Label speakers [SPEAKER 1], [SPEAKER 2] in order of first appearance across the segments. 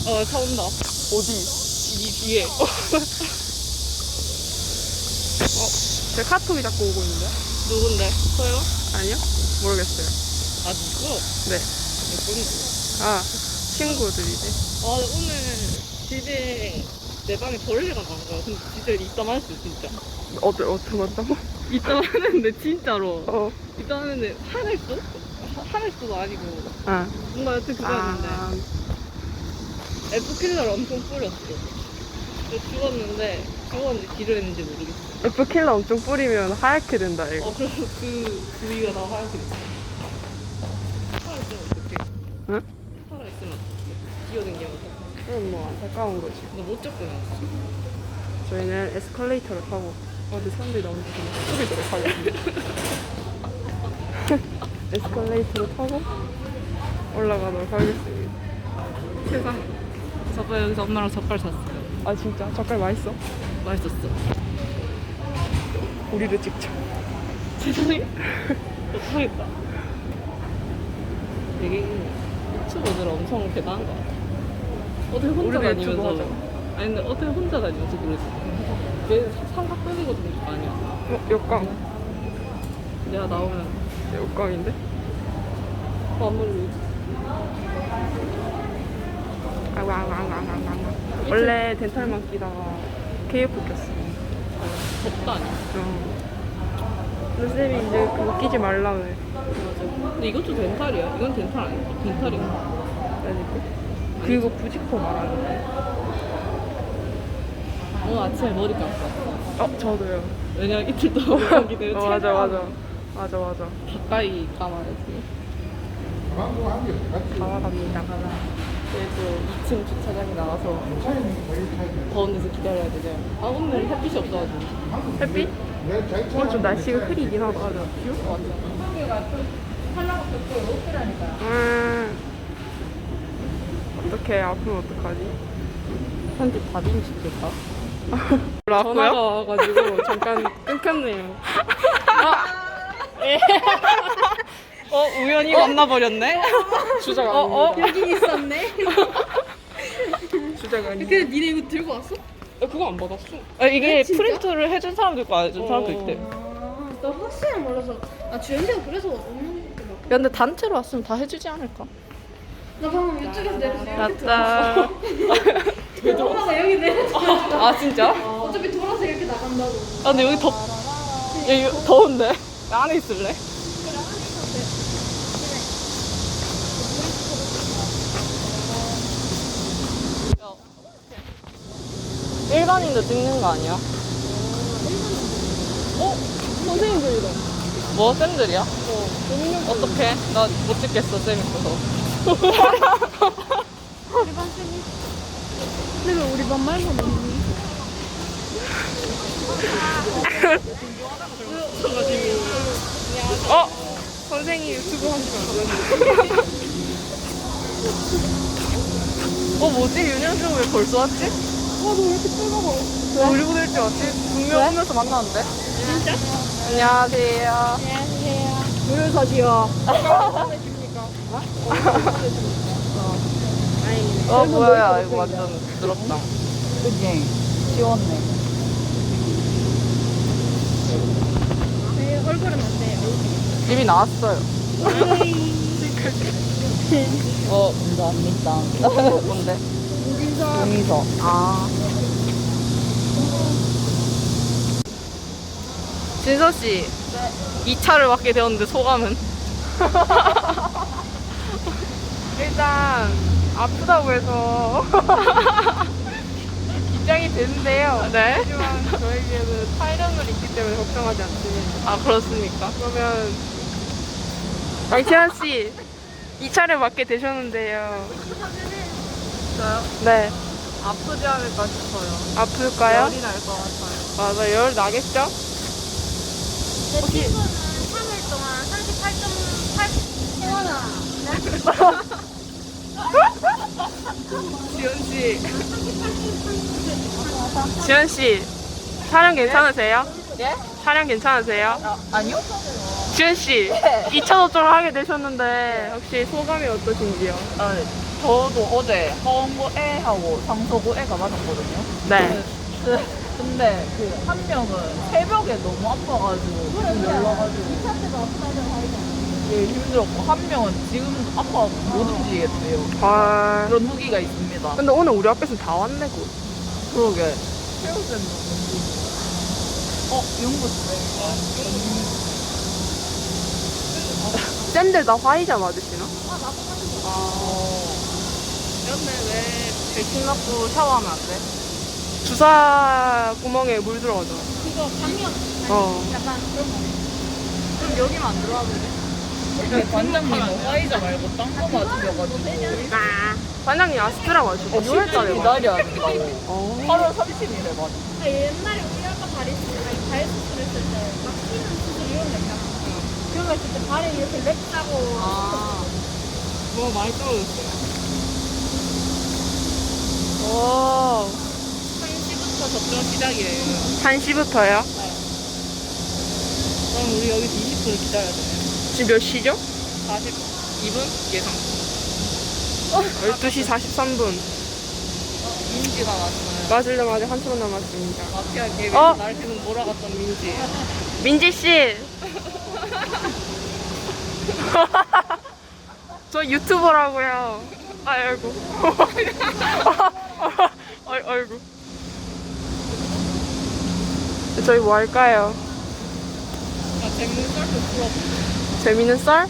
[SPEAKER 1] 차 온다.
[SPEAKER 2] 어디?
[SPEAKER 1] 이 뒤에.
[SPEAKER 2] 제 카톡이 자꾸 오고 있는데?
[SPEAKER 1] 누군데? 저요?
[SPEAKER 2] 아니요? 모르겠어요.
[SPEAKER 1] 아, 누구?
[SPEAKER 2] 네.
[SPEAKER 1] 누군데?
[SPEAKER 2] 아, 친구들이지.
[SPEAKER 1] 아, 오늘 집에 내 방에 벌레가 나온 거야. 근데 진짜 이따 맞았어, 진짜.
[SPEAKER 2] 어떻게 맞다고?
[SPEAKER 1] 이따 맞았는데, 진짜로.
[SPEAKER 2] 어.
[SPEAKER 1] 이따 맞았는데, 화냈어? 화냈어도 아니고.
[SPEAKER 2] 아.
[SPEAKER 1] 뭔가 여튼 그거였는데.
[SPEAKER 2] 아.
[SPEAKER 1] F킬러를 엄청 뿌렸어. 그래서 죽었는지 길을 했는지 모르겠어.
[SPEAKER 2] F킬러 엄청 뿌리면 하얗게 된다, 이거.
[SPEAKER 1] 그래서 그 부위가 다 하얗게 됐어. 살아있으면 어떡해?
[SPEAKER 2] 응?
[SPEAKER 1] 살아있으면 어떡해? 기어댕기면서.
[SPEAKER 2] 그건 뭐 안타까운 거지.
[SPEAKER 1] 너 못 접근했어.
[SPEAKER 2] 저희는 에스컬레이터를 타고 어디 사람들이 나오는지 그냥 소리도록 하겠습니다. 에스컬레이터를 타고 올라가도록 하겠습니다.
[SPEAKER 1] 세상. 저번에 여기서 엄마랑 젓갈 샀어요.
[SPEAKER 2] 아 진짜? 젓갈 맛있어?
[SPEAKER 1] 맛있었어.
[SPEAKER 2] 우리를 찍자.
[SPEAKER 1] 세상에? 못하겠다. 되게 유튜버들 엄청 대단한 것 같아. 어떻게 혼자
[SPEAKER 2] 우리도 유튜브
[SPEAKER 1] 다니면서.
[SPEAKER 2] 하자.
[SPEAKER 1] 아니 근데 어떻게 혼자 다니면서 그러지? 얘 삼각 끊이고 다니는 거 아니야?
[SPEAKER 2] 역광.
[SPEAKER 1] 내가 나오면
[SPEAKER 2] 역광인데?
[SPEAKER 1] 마무리.
[SPEAKER 2] 원래 덴탈만 끼다가 KF 꼈어.
[SPEAKER 1] 덥다 아니야?
[SPEAKER 2] 근데 쌤이 이제 그거 끼지 말라 그래.
[SPEAKER 1] 맞아. 근데 이것도 덴탈이야. 이건 덴탈 아니야? 덴탈인가?
[SPEAKER 2] 그러니까. 그리고 부직포 말하는 거야.
[SPEAKER 1] 오늘 아침에 머리 감았어.
[SPEAKER 2] 저도요.
[SPEAKER 1] 왜냐면 이틀 동안 거기 내가
[SPEAKER 2] 맞아.
[SPEAKER 1] 가까이 감아야지.
[SPEAKER 2] 가와갑니다.
[SPEAKER 1] 그래도 2층 주차장에 나와서 더운 데서 기다려야 되잖아. 아 오늘 햇빛이 없어가지고.
[SPEAKER 2] 햇빛? 오늘 좀 날씨가 흐리긴 하다. 맞아.
[SPEAKER 1] 비올 것 같아.
[SPEAKER 2] 어떡해. 아프면 어떡하지?
[SPEAKER 1] 편집 다짐 시킬까?
[SPEAKER 2] 전화가
[SPEAKER 1] 전화가 와가지고 잠깐 끊겼네요. 우연히 만나버렸네?
[SPEAKER 2] 주작 아닙니다.
[SPEAKER 3] 여기 있었네.
[SPEAKER 2] 주작 아닙니다.
[SPEAKER 3] 근데 니네 이거 들고 왔어?
[SPEAKER 1] 그거 안 받았어. 이게 프린트를 해준 사람도 있고 안 해준 사람도 있대.
[SPEAKER 3] 나 확실히 몰라서. 아 주연이가 그래서 없는 거 막.
[SPEAKER 1] 야 근데 단체로 왔으면 다 해주지 않을까?
[SPEAKER 3] 나 방금 이쪽에서 내려서 이렇게
[SPEAKER 2] 맞다.
[SPEAKER 3] 들어왔어. 엄마가 여기 내려서.
[SPEAKER 1] 아 진짜?
[SPEAKER 3] 어차피 돌아서 이렇게 나간다고.
[SPEAKER 1] 아 근데 여기 여기 더운데? 나 안에 있을래? 일반인도 찍는 거 아니야?
[SPEAKER 3] 선생님들이다.
[SPEAKER 1] 뭐? 쌤들이야? 어떡해? 나 못 찍겠어, 쌤 있어서.
[SPEAKER 3] 우리 반 쌤이. 근데 왜 우리 반 말고는 없니?
[SPEAKER 2] 선생님 유튜브 하시면 안 되는데.
[SPEAKER 1] 뭐지? 윤현수 왜 벌써 왔지?
[SPEAKER 3] 너 왜 이렇게 뜨거워?
[SPEAKER 1] 우리보다 일찍 왔지? 분명 오면서 만나는데? 진짜? 안녕하세요.
[SPEAKER 3] 안녕하세요. 물 사지요.
[SPEAKER 1] 뭐야, 이거 완전 부드럽다.
[SPEAKER 4] 그지? 지웠네.
[SPEAKER 3] 네, 얼굴은 안 돼요.
[SPEAKER 1] 이미 나왔어요.
[SPEAKER 4] 감사합니다.
[SPEAKER 1] 뭔데?
[SPEAKER 4] 용의서.
[SPEAKER 1] 아. 진서씨. 네. 2차를 맡게 되었는데 소감은?
[SPEAKER 2] 일단 아프다고 해서 긴장이 되는데요.
[SPEAKER 1] 네?
[SPEAKER 2] 하지만 저에게는 8년을 있기 때문에 걱정하지 않습니다.
[SPEAKER 1] 아, 그렇습니까?
[SPEAKER 2] 그러면 양치환 씨 2차를 맡게 되셨는데요.
[SPEAKER 1] 저요?
[SPEAKER 2] 네.
[SPEAKER 1] 아프지 않을까 싶어요.
[SPEAKER 2] 아플까요?
[SPEAKER 1] 열이 날 것 같아요.
[SPEAKER 2] 맞아, 열 나겠죠?
[SPEAKER 3] 내 친구는 3일 동안 38.8 태어나.
[SPEAKER 2] 지현 씨. 지현 씨, 촬영 괜찮으세요?
[SPEAKER 1] 예?
[SPEAKER 2] 촬영 괜찮으세요?
[SPEAKER 1] 아니요?
[SPEAKER 2] 지현 씨, 2차 접종을 하게 되셨는데 혹시 소감이 어떠신지요?
[SPEAKER 1] 아, 네.
[SPEAKER 4] 저도 어제 하원고 A하고 상서고 A가 맞았거든요.
[SPEAKER 2] 네.
[SPEAKER 4] 근데 그 한 명은 새벽에 너무 아파가지고 지금 열나가지고
[SPEAKER 3] 2차 때도 아프다는 하이가.
[SPEAKER 4] 예, 힘들었고 한 명은 지금 아파서 못 움직이겠대요.
[SPEAKER 2] 아.
[SPEAKER 4] 그런 후기가 있습니다.
[SPEAKER 2] 근데 오늘 우리 앞에서 다 왔네, 그.
[SPEAKER 4] 그러게. 새우젓는 연구생.
[SPEAKER 2] 쌤들 다 화이자 맞으시나?
[SPEAKER 4] 그런데 왜 백신 맞고 샤워하면 안 돼?
[SPEAKER 2] 주사 구멍에 물 들어가잖아.
[SPEAKER 3] 그거 감염.
[SPEAKER 2] 어.
[SPEAKER 3] 약간 그런 거.
[SPEAKER 4] 그럼 여기만 안 들어와도 돼? 관장님은 화이자 말고 딴 거 맞으셔가지고
[SPEAKER 2] 반장님 아스트라 맞으셨고 6월달에
[SPEAKER 4] 기다려야 된다고. 8월 30일에 맞아.
[SPEAKER 3] 옛날에 우리 아까 다리 수술 했을 때 막히는 수술 이런 거 있잖아. 그런 거 했을 때 발에 이렇게 렉 짜고.
[SPEAKER 2] 뭐 많이 떨어졌어요. 오.
[SPEAKER 1] 1시부터 접종 시작이에요.
[SPEAKER 2] 1시부터요?
[SPEAKER 1] 그럼 우리 여기서 20분을 기다려야 돼요.
[SPEAKER 2] 지금 몇 시죠?
[SPEAKER 1] 42분 예상.
[SPEAKER 2] 12시 43분.
[SPEAKER 1] 민지가 왔어요.
[SPEAKER 2] 맞으려면 아직 1시간 남았습니다.
[SPEAKER 1] 마피아 계획
[SPEAKER 2] 어?
[SPEAKER 1] 날 계속 몰아갔던 민지.
[SPEAKER 2] 민지씨! 저 유튜버라고요. 아이고. 아이고. 저희 뭐 할까요?
[SPEAKER 1] 나 재밌는 썰도 풀어.
[SPEAKER 2] 재밌는 썰?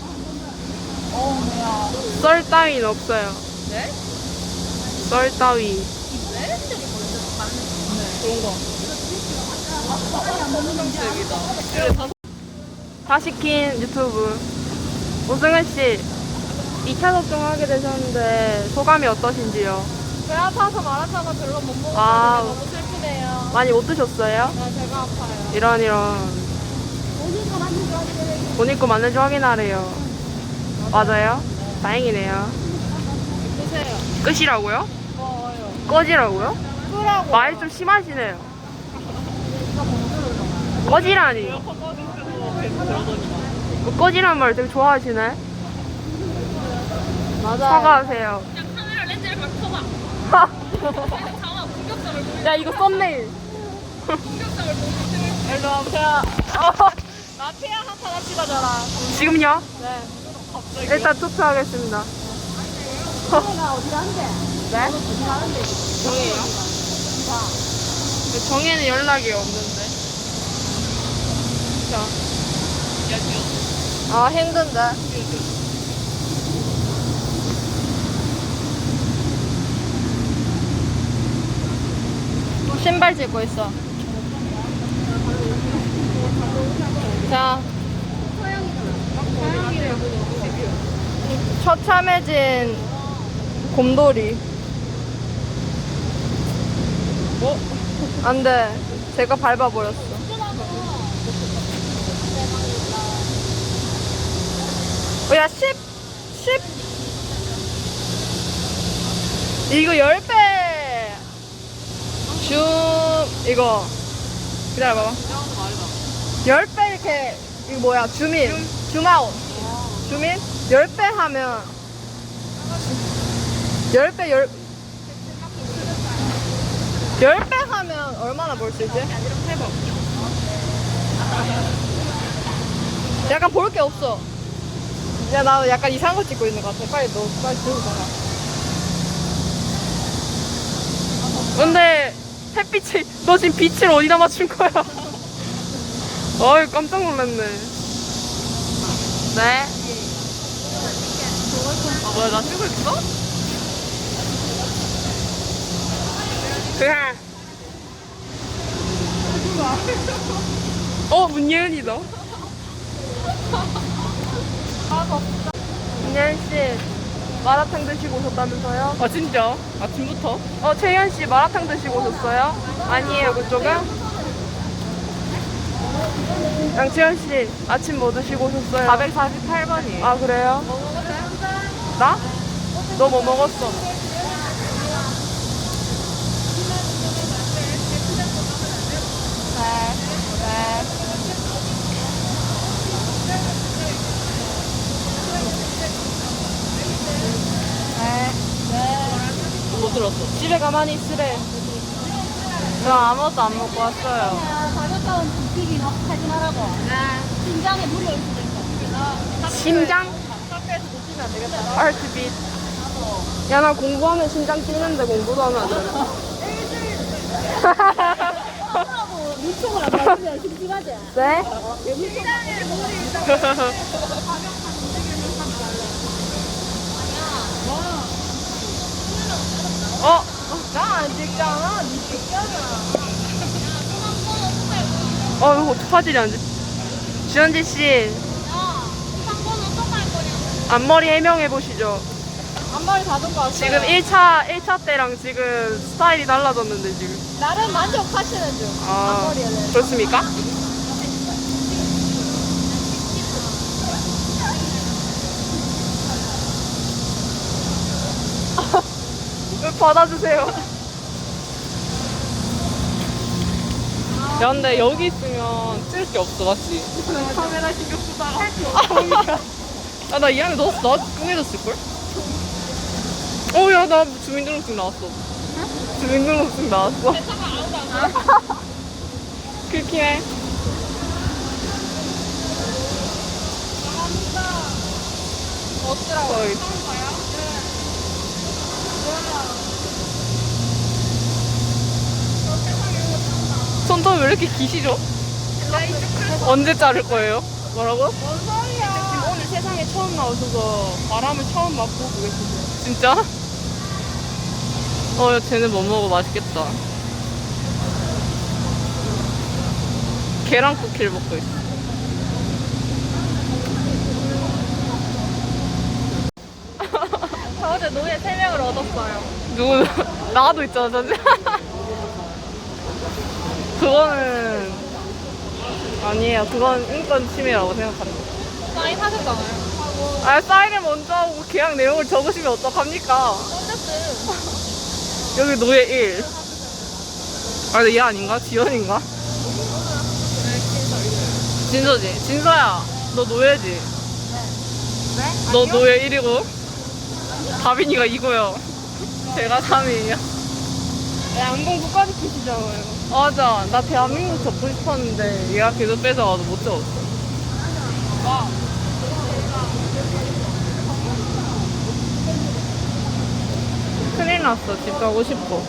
[SPEAKER 2] 썰 따위는 없어요.
[SPEAKER 1] 네?
[SPEAKER 2] 썰 따위.
[SPEAKER 1] 그런 거. 컨셉이다. 그래, 다
[SPEAKER 2] 다 시킨 유튜브. 오승은 씨, 2차 접종하게 되셨는데 소감이 어떠신지요?
[SPEAKER 3] 배 아파서 마라탕을 별로 못 먹었는데
[SPEAKER 2] 아.
[SPEAKER 3] 너무 슬프네요.
[SPEAKER 2] 많이 못 드셨어요?
[SPEAKER 3] 나 배가 아파요.
[SPEAKER 2] 이런.
[SPEAKER 3] 오늘 거 맞는 줄 알았는데
[SPEAKER 2] 본 입고 맞는지 확인하래요. 맞아요? 다행이네요.
[SPEAKER 3] 보세요.
[SPEAKER 2] 끝이라고요?
[SPEAKER 3] 더워요.
[SPEAKER 2] 꺼지라고요?
[SPEAKER 3] 끄라고.
[SPEAKER 2] 말이 좀 심하시네요. 꺼지라니.
[SPEAKER 1] 계속 그러더니만.
[SPEAKER 2] 뭐 꺼지란 말 되게 좋아하시네.
[SPEAKER 3] 맞아요.
[SPEAKER 2] 사과하세요.
[SPEAKER 3] 그냥 카메라 렌즈를 막 켜봐. 잠깐 공격점을 보여.
[SPEAKER 2] 야, 이거 썸네일.
[SPEAKER 3] 공격점을 보여.
[SPEAKER 1] 일로 와보세요.
[SPEAKER 3] 마피아 한판 합시다 저랑.
[SPEAKER 2] 지금요?
[SPEAKER 3] 네.
[SPEAKER 2] 일단 투표하겠습니다.
[SPEAKER 3] 정혜가 어디 가는데?
[SPEAKER 2] 네?
[SPEAKER 3] 어디 가는데?
[SPEAKER 2] 정혜요? 정혜는 연락이 없는데. 자. 아, 힘든데. 신발 신고 있어. 자. 처참해진 곰돌이. 안 돼. 제가 밟아버렸어. 야, 10! 이거 10배! 이거. 기다려봐봐. 10배 이렇게, 이거 뭐야, 줌아웃. 줌인? 10배 하면, 10배 하면 얼마나 벌 수 있지? 약간 볼 게 없어. 야, 나 약간 이상한 거 찍고 있는 것 같아. 빨리 들고 가라. 근데 햇빛이, 너 지금 빛을 어디다 맞춘 거야? 어이, 깜짝 놀랐네. 네?
[SPEAKER 1] 아, 뭐야, 나 찍고 있어?
[SPEAKER 2] 그냥. 문예은이다. 문예은씨, 마라탕 드시고 오셨다면서요?
[SPEAKER 1] 아, 진짜? 아침부터?
[SPEAKER 2] 채연씨, 마라탕 드시고 오셨어요? 아니에요, 그쪽은? 양채연씨, 아침 뭐 드시고 오셨어요?
[SPEAKER 1] 448번이에요.
[SPEAKER 2] 아, 그래요? 나? 너 뭐 먹었어? 네. 집에 가만히 있으래. 저 아무것도 안 먹고 왔어요.
[SPEAKER 3] 가볍다운 부피기 막 하지 말라고. 심장에 물이 올 수도 있어.
[SPEAKER 2] 심장?
[SPEAKER 4] 카페에서 놓치면 안 되겠다.
[SPEAKER 2] 하트빛. 야, 나 공부하면 심장 뛰는데 공부도 하면 안 되나?
[SPEAKER 3] 하고 유통을 안 받으면 심심하지.
[SPEAKER 2] 네?
[SPEAKER 3] 심장에 물이 있어.
[SPEAKER 2] 어?
[SPEAKER 4] 나안 찍잖아. 니 찍잖아.
[SPEAKER 2] 이거 어떡하지, 안 돼? 주현지 씨,
[SPEAKER 3] 상권은 어떡할 거냐.
[SPEAKER 2] 앞머리 해명해보시죠.
[SPEAKER 3] 앞머리 다듬고 왔어요.
[SPEAKER 2] 지금 1차 때랑 지금 스타일이 달라졌는데, 지금.
[SPEAKER 3] 나름 만족하시는 중.
[SPEAKER 2] 아,
[SPEAKER 3] 앞머리에 대해서.
[SPEAKER 2] 그렇습니까? 받아주세요. 야, 근데 여기 있으면 찍을 게 없어, 맞지?
[SPEAKER 4] 카메라 신경 쓰다가.
[SPEAKER 2] 야, 나 이 안에 넣었어. 나 꿍해졌을걸? 야, 나 주민등록증 나왔어. 주민등록증 나왔어. 그렇긴 해.
[SPEAKER 3] 어쩌라고.
[SPEAKER 2] 거의. 손톱 왜 이렇게 기시죠? 언제 자를 거예요? 뭐라고?
[SPEAKER 3] 뭔 소리야.
[SPEAKER 2] 지금 오늘 세상에 처음 나오셔서 바람을 처음 맛보고 계시죠? 진짜? 쟤는 뭐 먹어? 맛있겠다. 계란 쿠키를 먹고 있어.
[SPEAKER 4] 저 어제 노예 3명을 얻었어요.
[SPEAKER 2] 누구? 나도 있잖아, 전체. 그거는 아니에요. 그건 인권 침해라고 생각합니다.
[SPEAKER 4] 사인 하셨잖아요.
[SPEAKER 2] 사인을 먼저 하고 계약 내용을 적으시면 어떡합니까?
[SPEAKER 4] 콘텐츠.
[SPEAKER 2] 여기 노예 1. 근데 얘 아닌가? 지연인가? 진서지. 진서야, 너 노예지?
[SPEAKER 3] 네?
[SPEAKER 2] 너 노예 1이고 다빈이가 2고요. 제가 3이에요.
[SPEAKER 4] 양동 국가지키시잖아요.
[SPEAKER 2] 맞아. 나 대한민국 접고 싶었는데 얘가 계속 뺏어가서 못 접었어.
[SPEAKER 4] 와.
[SPEAKER 2] 큰일 났어. 집 가고 싶어.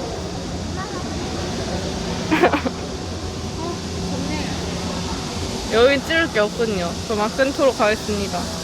[SPEAKER 2] 여긴 찌를 게 없군요. 그럼 악센트로 가겠습니다.